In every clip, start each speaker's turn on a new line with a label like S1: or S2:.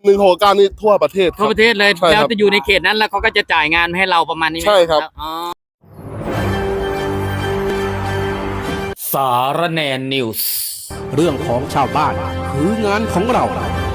S1: 169นี่ทั่วประเทศ
S2: ทั่วประเทศเลย
S1: ใช่ครับ
S2: แล้วจะอยู่ในเขตนั้นแล้วเขาก็จะจ่ายงานให้เราประมาณนี้ไหม
S1: ใช่ครับ
S2: อ๋อสารแนนนิวส์
S3: เรื่องของชาวบ้านคืองานของเรา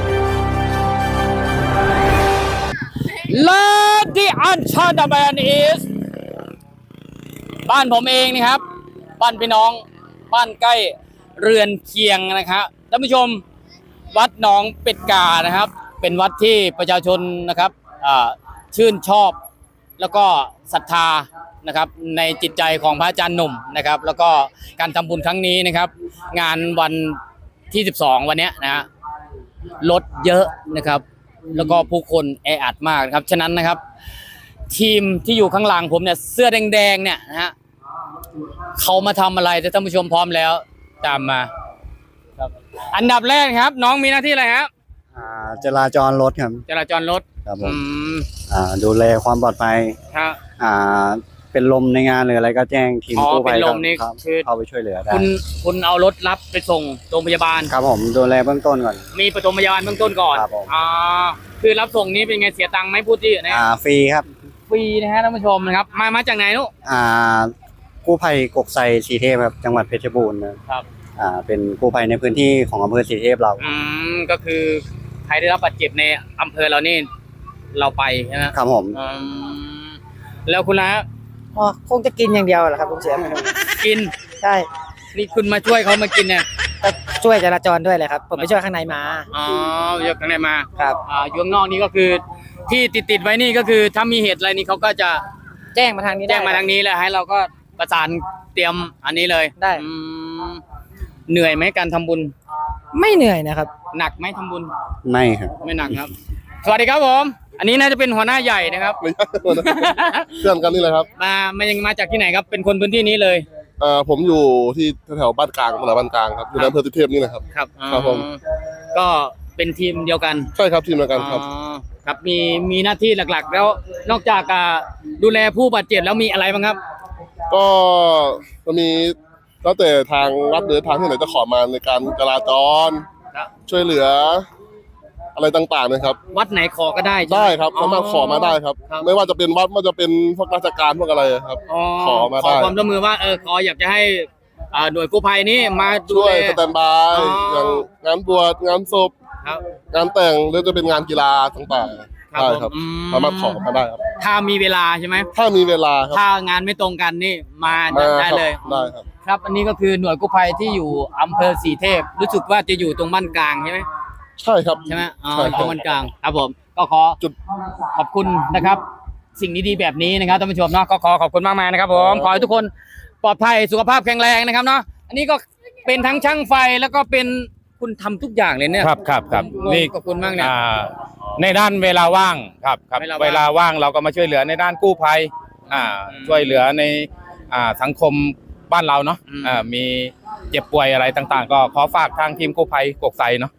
S2: Lady Anchorman is บ้านผมเองนะครับบ้านพี่น้องบ้านใกล้เรือนเคียงนะครับท่านผู้ชมวัดหนองเป็ดกานะครับเป็นวัดที่ประชาชนนะครับชื่นชอบแล้วก็ศรัทธานะครับในจิตใจของพระอาจารย์หนุ่มนะครับแล้วก็การทำบุญครั้งนี้นะครับงานวันที่12วันนี้นะฮะรถเยอะนะครับแล้วก็ผู้คนแออัดมากนะครับฉะนั้นนะครับทีมที่อยู่ข้างหลังผมเนี่ยเสื้อแดงๆเนี่ยนะฮะเขามาทำอะไรแต่ท่านผู้ชมพร้อมแล้วตามมาครับอันดับแรกครับน้องมีหน้าที่อะไรครับ
S4: จราจรรถครับ
S2: จราจรรถ
S4: ครับผมดูแลความปลอดภัย
S2: ครับ
S4: เป็นลมในงานหรืออะไรก็แจ้งทีมกู้ภัย
S2: เป็นลมนี่คือ
S4: เข้าไปช่วยเหลือได้
S2: คุณเอารถรับไปส่งโรงพยาบาล
S4: ครับผมดูแลเบื้องต้นก่อน
S2: มีปฐมพยาบาลเบื้องต้นก่อน
S4: ครับผม
S2: คือรับส่งนี้เป็นไงเสียตังค์ไหมพูดที่นะ
S4: ฟรีครับ
S2: ฟรีนะฮะท่านผู้ชมนะครับมาจากไหนลูก
S4: กู้ภัยกกไซศรีเทพครับจังหวัดเพชรบูรณ์นะครับเป็นกู้ภัยในพื้นที่ของอำเภอศรีเทพเรา
S2: ก็คือใครได้รับบาดเจ็บในอำเภอเรานี่เราไปใช่ไหม
S4: ครับผม
S2: แล้วคุณละ
S5: คงจะกินอย่างเดียวแหละครับคุณเสีย
S2: กิน
S5: ใช่
S2: นี่คุณมาช่วยเขามากินเนี่ย
S5: ก็ช่วยจราจรด้วยเลยครับผมไปช่วยข้างในมา
S2: ช่วยข้างในมา
S5: ครับ
S2: อยู่ข้างนอกนี่ก็คือที่ติดไว้นี่ก็คือถ้ามีเหตุอะไรนี่เขาก็จะ
S5: แจ้งมาทางนี้
S2: แจ้งมาทางนี้เลยให้เราก็ประสานเตรียมอันนี้เลย
S5: ได้
S2: เหนื่อยไหมการทำบุญ
S5: ไม่เหนื่อยนะครับ
S2: หนักไหมทำบุญ
S4: ไม่ครับ
S2: ไม่หนักครับสวัสดีครับผมอันนี้น่าจะเป็นหัวหน้าใหญ่นะครับ
S1: ไม่ใช่เพื่อนกันนี่เลยครับ
S2: มาจากที่ไหนครับเป็นคนพื้นที่นี้เลย
S1: ผมอยู่ที่แถวบ้านกลางตลาดบ้านกลางครับอยู่ในอำเภอศรีเทพนี่นะครับ
S2: ครับผมก็เป็นทีมเดียวกัน
S1: ใช่ครับทีมเดียวกันครับ
S2: ครับมีหน้าที่หลักๆแล้วนอกจากดูแลผู้บาดเจ็บแล้วมีอะไรบ้างครับ
S1: ก็จะมีแล้วแต่ทางวัดหรือทางที่ไหนจะขอมาในการจราจรช่วยเหลืออะไรต่างๆนะครับ
S2: วัดไหนขอก็ได้
S1: ครับสามารถขอมาได้ครับไม่ว่าจะเป็นวัดไม่ว่าจะเป็นพวกราชการพวกอะไรครับขอมาได้
S2: ขอความร่วมมือว่าขออยากจะให้หน่วยกู้ภัยนี้มา
S1: ช่วยสแตนด์บายอย่างงานบวชงานศพงานแต่งหรือจะเป็นงานกีฬาต่างๆได้ครับสามารถขอมาได้ครับ
S2: ถ้ามีเวลาใช่ไหม
S1: ถ้ามีเวลาครับ
S2: ถ้างานไม่ตรงกันนี่มาได้เลย
S1: ได้ครับ
S2: ครับอันนี้ก็คือหน่วยกู้ภัยที่อยู่อำเภอศรีเทพรู้สึกว่าจะอยู่ตรงบ้านกลางใช่ไหม
S1: ใช่ครับ
S2: ใช่ไหมตรงบ้านกลางครับผมก็ขอบคุณนะครับสิ่งดีๆแบบนี้นะครับท่านผู้ชมเนาะก็ขอบคุณมากๆนะครับผมขอให้ทุกคนปลอดภัยสุขภาพแข็งแรงนะครับเนาะอันนี้ก็เป็นทั้งช่างไฟแล้วก็เป็นคุณทำทุกอย่างเลยเนี่ย
S6: ครับ
S2: นี่ขอบคุณมากเนี่ย
S6: ในด้านเวลาว่างครับเวลาว่างเราก็มาช่วยเหลือในด้านกู้ภัยช่วยเหลือในสังคมบ้านเราเนาะมีเจ็บป่วยอะไรต่างๆก็ขอฝากทางทีมกู้ภัยกกไซเนาะ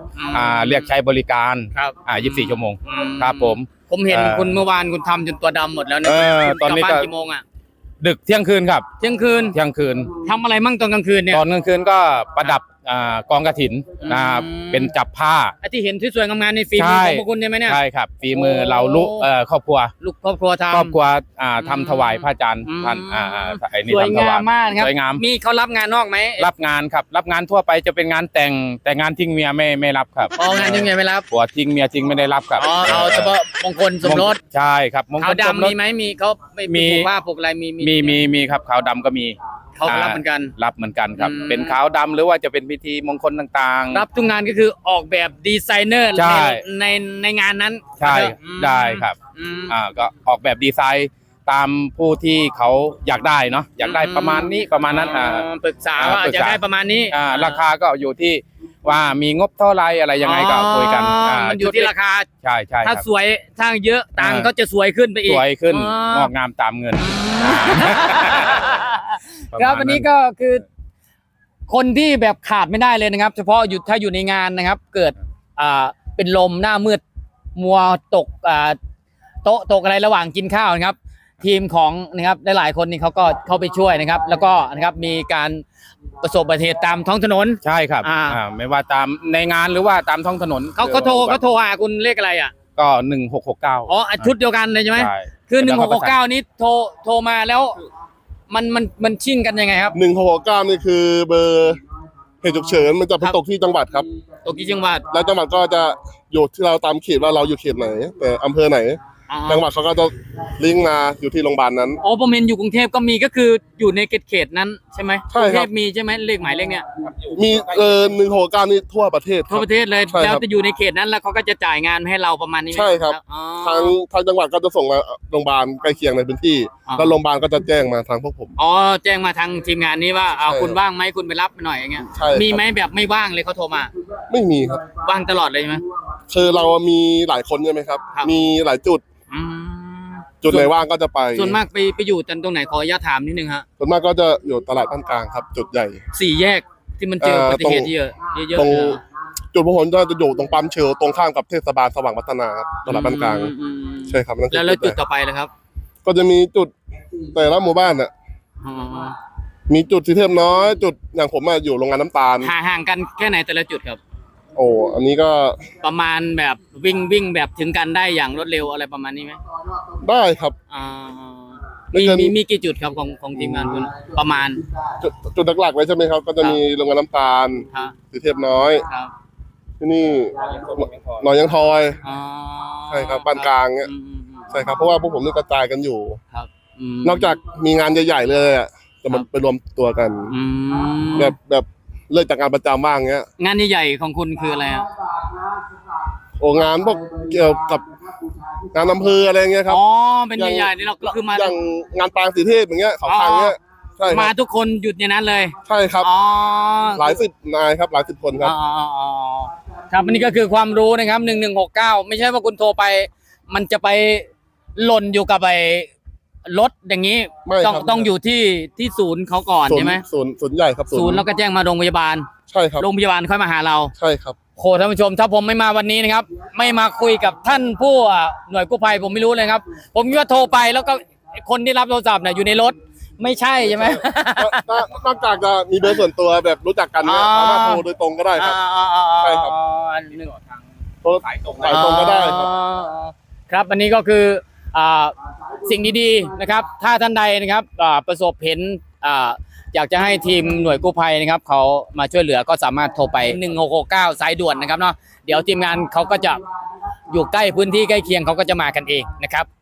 S6: 20เรียกใช้บริการ24 ชั่วโมงครับ
S2: ผมเห็นคุณเมื่อวานคุณทำจนตัวดำหมดแล้วเนี่ย
S6: ตอนนี้ก็
S2: กี่โมง
S6: ดึกเที่ยงคืนครับ
S2: เที่ยงคืนทำอะไรมั่งตอนกลางคืนเนี่ย
S6: ตอนกลางคืนก็ประดับกองกฐินเป็นจับผ้า
S2: ที่เห็นที่สวยงามๆในฝีมือของพวกคุณใช่ไหมเนี่ย
S6: ใช่ครับฝีมือเราครอบครัว
S2: ครอบครัว
S6: ทำถวายพระอาจารย์ท่าน
S2: สวยงามมากครับมีเขารับงานนอกไหม
S6: รับงานครับรับงานทั่วไปจะเป็นงานแต่งานทิ้งเมียไม่รับครับ
S2: งานทิ้งเมียไม่รับ
S6: ผัวทิ้งเมียทิ้งไม่ได้รับครับ
S2: เอาเฉพาะมงคลสมรส
S6: ใช่ครับมงคลสมรส
S2: มีไหมมีเขามีว่าพวกอะไร
S6: มีครับขาวดำก็มี
S2: เขารับเหมือน
S6: กันครับเป็นขาวดำหรือว่าจะเป็นพิธีมงคลต่าง
S2: ๆรับทุกงานก็คือออกแบบดีไซเนอร์ในงานนั้น
S6: ใช่ได้ครับก็ออกแบบดีไซน์ตามผู้ที่เขาอยากได้เนาะอยากได้ประมาณนี้ประมาณนั้น
S2: ปรึกษาว่าจะได้ประมาณนี้
S6: ราคาก็อยู่ที่ว่ามีงบเท่าไรอะไรยังไงก็คุยกัน
S2: มันอยู่ที่ราคา
S6: ใช่
S2: ถ้าสวยถ้าเยอะตังก็จะสวยขึ้นไปอีก
S6: สวยขึ้นงอกงามตามเงิน
S2: ครับวันนี้ก็คือคนที่แบบขาดไม่ได้เลยนะครับเฉพาะถ้าอยู่ในงานนะครับเกิดเป็นลมหน้ามืดมัวตกโต๊ะตกอะไรระหว่างกินข้าวนะครับทีมของนะครับหลายๆคนนี่เขาก็เข้าไปช่วยนะครับ แล้วก็นะครับมีการประสบอุบัติเหตุตามท้องถนน
S6: ใช่ครับ ไม่ว่าตามในงานหรือว่าตามท้องถนน
S2: เขาโทรหาคุณเลขอะไรอ่ะ
S6: ก็1669
S2: อ๋อชุดเดียวกันเลยใช่ไหม
S6: ใช่
S2: คือ1669นี้โทรมาแล้วมันชิ่งกันยังไงครับ
S1: 1669นี่คือเบอร์เหตุฉุกเฉินมันจะไปตกที่จังหวัดครับ
S2: ตกกี่จังหวัด
S1: แล้วจังหวัดก็จะอยู่ที่เราตามเขตว่าเราอยู่เขตไหน แต่อำเภอไหน จังหวัดเขาก็จะลิงก์มาอยู่ที่โรงพยาบาลนั้น
S2: อ๋อผมเห็นอยู่กรุงเทพก็มีก็คืออยู่ในเขตนั้นใช่ไหม
S1: ใช่
S2: กรุง
S1: ค
S2: เท
S1: รับ
S2: พมีใช่ไหมเลขหมายเลขเนี้ย
S1: มี1669นี่ทั่วประเทศค
S2: ทั่
S1: รั
S2: ว
S1: บ
S2: ประเทศเลย
S1: ใช่ครับ
S2: แล้วจะอยู่ในเขตนั้นแล้วเขาก็จะจ่ายงานให้เราประมาณนี้ไหม
S1: ใช่ครับ
S2: อ๋อ
S1: ทางจังหวัดก็จะส่งมาโรงพยาบาลใกล้เคียงในพื้นที่
S2: อ๋อ
S1: แล้วโรงพยาบาลก็จะแจ้งมาทางพวกผม
S2: อ๋อแจ้งมาทางทีมงานนี้ว่าเอา
S1: ใช่
S2: คุณว่างไหมคุณไปรับหน่อยอย่างเงี้ย
S1: ใช่ครับ
S2: มีไหมแบบไม่ว่างเลยเขาโทรมา
S1: ไม่มีครับ
S2: ว่างตลอดเลยใช่ไหม
S1: คือเรามีหลายคนใช่ไหมครับ
S2: ครับ
S1: มีหลายจุด
S2: อืม
S1: จุดไหนว่างก็จะไป
S2: ส่วนมากไปอยู่ตรงไหนขออนุญาตถามนิดนึงฮะ
S1: ส่วนมากก็จะอยู่ตลาดบ้านกลางครับ จุดใหญ่
S2: สี่แยกที่มันเจออุบัติเหตุเยอะเยอะ
S1: ตรง
S2: เลยเหรอ
S1: จุดพหลจะอยู่ตรงปั๊มเชลตรงข้ามกับเทศบาลสว่างพัฒนาครับตลาดบ้านกลาง
S2: อืม
S1: ใช่ครับนั่นคือ
S2: แล้วจุด
S1: ใหญ่
S2: ต่อไปเลยครับ
S1: ก็จะมีจุดแต่ละหมู่บ้านน่ะ
S2: อ๋อ
S1: มีจุดสีเทพน้อย จุดอย่างผมอยู่โรงงานน้ำตาล
S2: ห่างกันแค่ไหนแต่ละจุดครับ
S1: โอ้อันนี้ก็
S2: ประมาณแบบวิ่งแบบถึงกันได้อย่างรวดเร็วอะไรประมาณนี้ไหม
S1: ได้ครับ
S2: อ่า
S1: ไม่
S2: มี
S1: เกิน
S2: มีกี่จุดครับของทีมงานคุณประมาณ
S1: จุดหลักๆไว้ใช่ไหมครับ ก็จะมีโรงงานน้ำตาล
S2: ครับ
S1: สีเทพน้อย
S2: ครับ
S1: ที่นี่หนองยังทอย
S2: อ๋อ
S1: ใช่ครับบ้านกลางเนี่ย ใช่ครับเพราะว่าพวกผมนี่กระจายกันอยู่
S2: ครับม
S1: นอกจากมีงานใหญ่ๆเลยอ่ะจะมันไปรวมตัวกัน
S2: อืม
S1: แบบเลิกจากงานประจำบ้างเงี้ย
S2: งานใหญ่ๆของคุณคืออะไรอ่ะ
S1: โอ้งานพวกเกี่ยวกับงานอำเภออะไรเงี้ยครับ
S2: อ๋อเป็นใหญ่ๆนี่เราก็คือมา
S1: อย่างงานปางสีเทพอย่างเงี้ยเขาทางเงี้ยใช่ค
S2: มา
S1: รับ
S2: ทุกคนหยุดในนั้นเลย
S1: ใช่ครับ
S2: อ๋อ
S1: หลายสิบนายครับหลายสิบคนครับ
S2: อ๋อครับอันนี้ก็คือความรู้นะครับ1169ไม่ใช่ว่าคุณโทรไป มันจะไปหล่นอยู่กับไอ้รถอย่างนี้
S1: ไม่ครับ
S2: ต้องอยู่ที่ศูนย์เขาก่อน
S1: ศูน
S2: ใช่
S1: ย์
S2: ไหม
S1: ศูนย์ใหญ่ครับ
S2: ศูนย์แล้วก็แจ้งมาโรงพยาบาล
S1: ใช่ครับ
S2: โรงพยาบาลค่อยมาหาเรา
S1: ใช่ครับ
S2: โหท่านผู้ชมถ้าผมไม่มาวันนี้นะครับ ไม่มาคุยกับท่านผู้หน่วยกู้ภัยผมไม่รู้เลยครับ ผมคิดว่าโทรไปแล้วก็คนที่รับโทรศัพท์เนี่ยอยู่ในรถไม่ใช่ใช่ไหม
S1: นอกจากจะมีเบอร์ส่วนตัวแบบรู้จักกันเนี่ย
S2: อ๋อ
S1: สามารถโทรโดยตรงก็ได้ครับ ใช่ครับ
S2: อันหนึ่ง
S1: โทรสายตรงก็ได้ครับ
S2: ครับอันนี้ก็คือสิ่งดีๆนะครับ ถ้าท่านใดนะครับประสบเห็นอยากจะให้ทีมหน่วยกู้ภัยนะครับเขามาช่วยเหลือก็สามารถโทรไป1669สายด่วนนะครับเนาะเดี๋ยวทีมงานเขาก็จะอยู่ใกล้พื้นที่ใกล้เคียงเขาก็จะมากันเองนะครับ